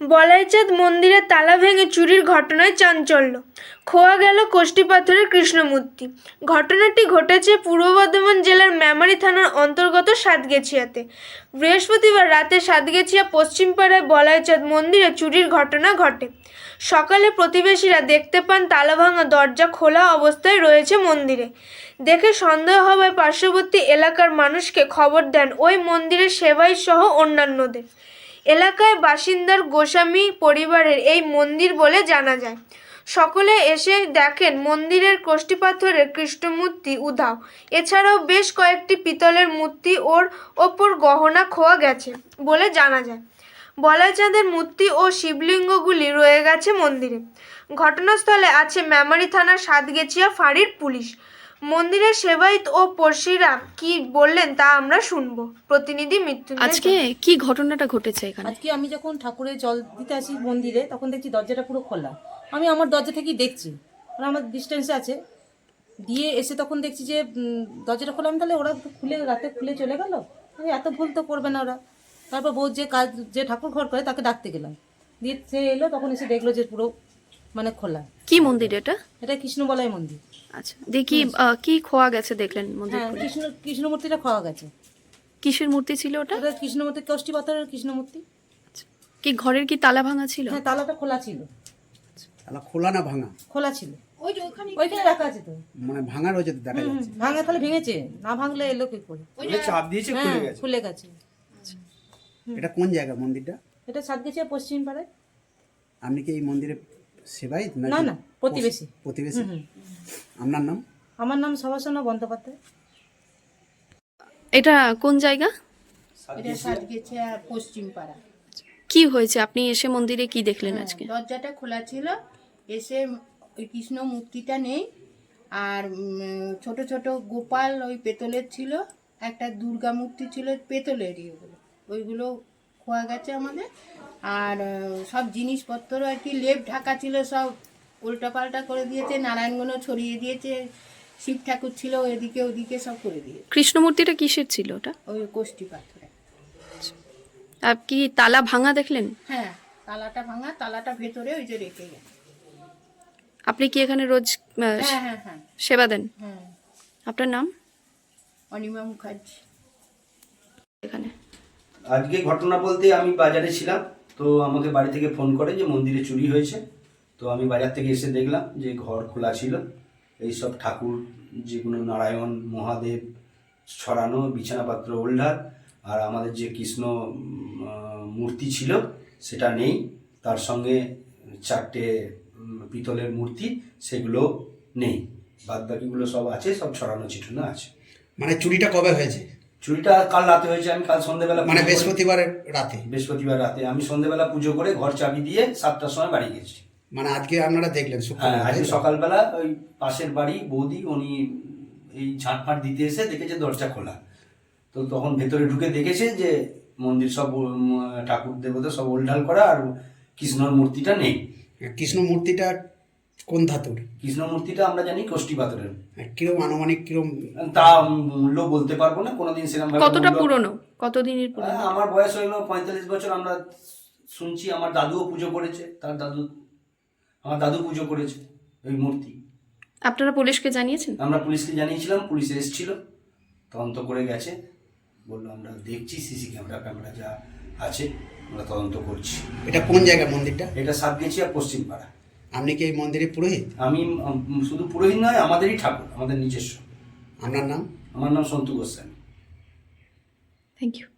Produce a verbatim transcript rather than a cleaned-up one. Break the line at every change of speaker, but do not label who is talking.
বলাইচাঁদ মন্দিরে তালা ভেঙে চুরির ঘটনায় চাঞ্চল্য, খোয়া গেল কোষ্ঠী পাথরের কৃষ্ণমূর্তি। ঘটনাটি ঘটেছে পূর্ব বর্ধমান জেলার মেমারি থানার অন্তর্গত সাতগেছিয়াতে। বৃহস্পতিবার রাতে সাতগেছিয়া পশ্চিমপাড়ায় বলাইচাঁদ মন্দিরে চুরির ঘটনা ঘটে। সকালে প্রতিবেশীরা দেখতে পান তালা ভাঙা দরজা খোলা অবস্থায় রয়েছে মন্দিরে। দেখে সন্দেহ হওয়ায় পার্শ্ববর্তী এলাকার মানুষকে খবর দেন ওই মন্দিরের সেবাই সহ অন্যান্যদের। এলাকায় বাসিন্দার গোস্বামী পরিবারের এই মন্দির বলে জানা যায়। সকলে এসে দেখেন মন্দিরের কোষ্ঠী পাথরের কৃষ্ণমূর্তি উধাও। এছাড়াও বেশ কয়েকটি পিতলের মূর্তি ওর ওপর গহনা খোয়া গেছে বলে জানা যায়। বলাইচাঁদের মূর্তি ও শিবলিঙ্গগুলি রয়ে গেছে মন্দিরে। ঘটনাস্থলে আছে মেমারি থানার সাতগেছিয়া ফাঁড়ির পুলিশ। মন্দিরের সেবায়িত ও পড়শিরা কি বললেন তা আমরা শুনবো। প্রতিনিধি মৃত্যুঞ্জয়।
আজকে কি ঘটনাটা ঘটেছে এখানে?
আজকে আমি যখন ঠাকুরের জল দিতে আসি মন্দিরে, তখন দেখছি দরজাটা পুরো খোলা। আমি আমার দরজা থেকেই দেখছি, মানে আমার ডিস্টেন্সে আছে। দিয়ে এসে তখন দেখছি যে দরজাটা খোলা। আমি তাহলে ওরা খুলে রাতে খুলে চলে গেল, এত ভুল তো করবে না ওরা। তারপর বউ যে কাজ যে ঠাকুর ঘর করে তাকে ডাকতে গেলাম, দিয়ে সে এলো, তখন এসে দেখলো যে পুরো মানে খোলা।
কি মন্দির এটা?
এটা কৃষ্ণবলয় মন্দির।
আচ্ছা, দেখি কি খোয়া গেছে দেখলেন মন্দির?
হ্যাঁ, কৃষ্ণ কৃষ্ণ মূর্তিটা খোয়া গেছে।
কিসের মূর্তি ছিল ওটা?
ওটা কৃষ্ণমূর্তি, কোষ্ঠী পাথরের কৃষ্ণমূর্তি।
কি ঘরের কি তালা ভাঙা ছিল?
হ্যাঁ, তালাটা খোলা ছিল।
তালা খোলা না ভাঙা?
খোলা ছিল। ওই যে ওখানে ওইখানে রাখা আছে তো।
মানে ভাঙা রয়েছে তো দেখা যাচ্ছে।
ভাঙা তাহলে ভেঙেছে, না ভাঙলে এলো কি করে?
মানে চাপ দিয়েছে খুলে গেছে।
খুলে গেছে।
এটা কোন জায়গা মন্দিরটা?
এটা সাতগেছিয়া পশ্চিম পাড়ায়।
আপনি কি এই মন্দিরে সেবাই?
না না, প্রতিবেশী।
প্রতিবেশী। আপনার নাম?
আমার নাম সবাসনা বন্দ্যোপাধ্যায়।
এটা কোন জায়গা?
এটা সাতগেছিয়া পশ্চিম পাড়া।
কি হয়েছে? আপনি এসে মন্দিরে কি দেখলেন আজকে?
দরজাটা খোলা ছিল, এসে ওই কৃষ্ণ মূর্তিটা নেই, আর ছোট ছোট গোপাল ওই পেতলের ছিল, একটা দুর্গা মূর্তি ছিল পেতলেরই, ওগুলো ওইগুলো খোয়া গেছে আমাদের। আর সব জিনিসপত্র আর কি লেপ ঢাকা ছিল, সব উল্টাপাল্টা করে দিয়েছে, নারায়ণগণও ছড়িয়ে দিয়েছে, শিব ঠাকুর ছিল এদিকে ওদিকে সব করে দিয়েছে।
কৃষ্ণমূর্তিটা কিসের ছিল ওটা?
ওই কোষ্ঠী পাথরে।
আর কি তালা ভাঙা দেখলেন?
হ্যাঁ, তালাটা ভাঙা, তালাটা ভেতরে ওই যে রেখে গেছে।
আপনি কি এখানে রোজ
হ্যাঁ হ্যাঁ হ্যাঁ
সেবা দেন?
হ্যাঁ।
আপনার নাম?
অনিমা মুখার্জি।
এখানে
আজকে ঘটনা বলতে আমি বাজারে ছিলাম, তো আমাকে বাড়ি থেকে ফোন করে যে মন্দিরে চুরি হয়েছে। তো আমি বাজার থেকে এসে দেখলাম যে ঘর খোলা ছিল, এইসব ঠাকুর যেগুলো নারায়ণ মহাদেব ছড়ানো, বিছানাপাত্র ওল্ডার, আর আমাদের যে কৃষ্ণ মূর্তি ছিল সেটা নেই। তার সঙ্গে চারটে পিতলের মূর্তি, সেগুলো নেই। বাদ বাকিগুলো সব আছে, সব ছড়ানো ছিটানো আছে।
মানে চুরিটা কবে হয়েছে?
চুরিটা কাল রাতে হয়েছে। আমি কাল সন্ধ্যেবেলা,
মানে বৃহস্পতিবারের রাতে?
বৃহস্পতিবার রাতে আমি সন্ধ্যেবেলা পুজো করে ঘর চাবি দিয়ে সাতটার সময় বাড়ি গেছি।
মানে আজকে আপনারা দেখলেন?
হ্যাঁ, আজকে সকালবেলা ওই পাশের বাড়ি বৌদি, উনি এই ঝাঁটফাট দিতে এসে দেখেছে দরজা খোলা। তো তখন ভেতরে ঢুকে দেখেছে যে মন্দির সব ঠাকুর দেবতা সব ওলঢাল করা, আর কৃষ্ণর মূর্তিটা নেই।
কৃষ্ণ মূর্তিটা কোন ধাতুর?
কৃষ্ণ মূর্তিটা আমরা জানি কোষ্ঠী পাথরের।
কিরম আনুমানিক কিরম?
তা মূল্য বলতে পারবো না, কোনোদিন সেরকম।
কতটা পুরনো? কতদিনের পুরনো?
আমার বয়স হইলো পঁয়তাল্লিশ বছর। আমরা শুনছি আমার দাদুও পুজো করেছে, তার দাদু, আমার দাদু পুজো করেছে ওই মূর্তি।
আপনারা পুলিশকে জানিয়েছেন?
আমরা পুলিশকে জানিয়েছিলাম, পুলিশ এসেছিল, তদন্ত করে গেছে। বললো আমরা দেখছি সিসি ক্যামেরা ক্যামেরা যা আছে আমরা তদন্ত করছি।
এটা কোন জায়গা মন্দিরটা?
এটা সাতগেছিয়া পশ্চিম পাড়া।
আপনি কি এই মন্দিরে পুরোহিত?
আমি শুধু পুরোহিত নয়, আমাদেরই ঠাকুর, আমাদের নিজস্ব।
আপনার নাম?
আমার নাম সন্তু গোস্বামী।
Thank you.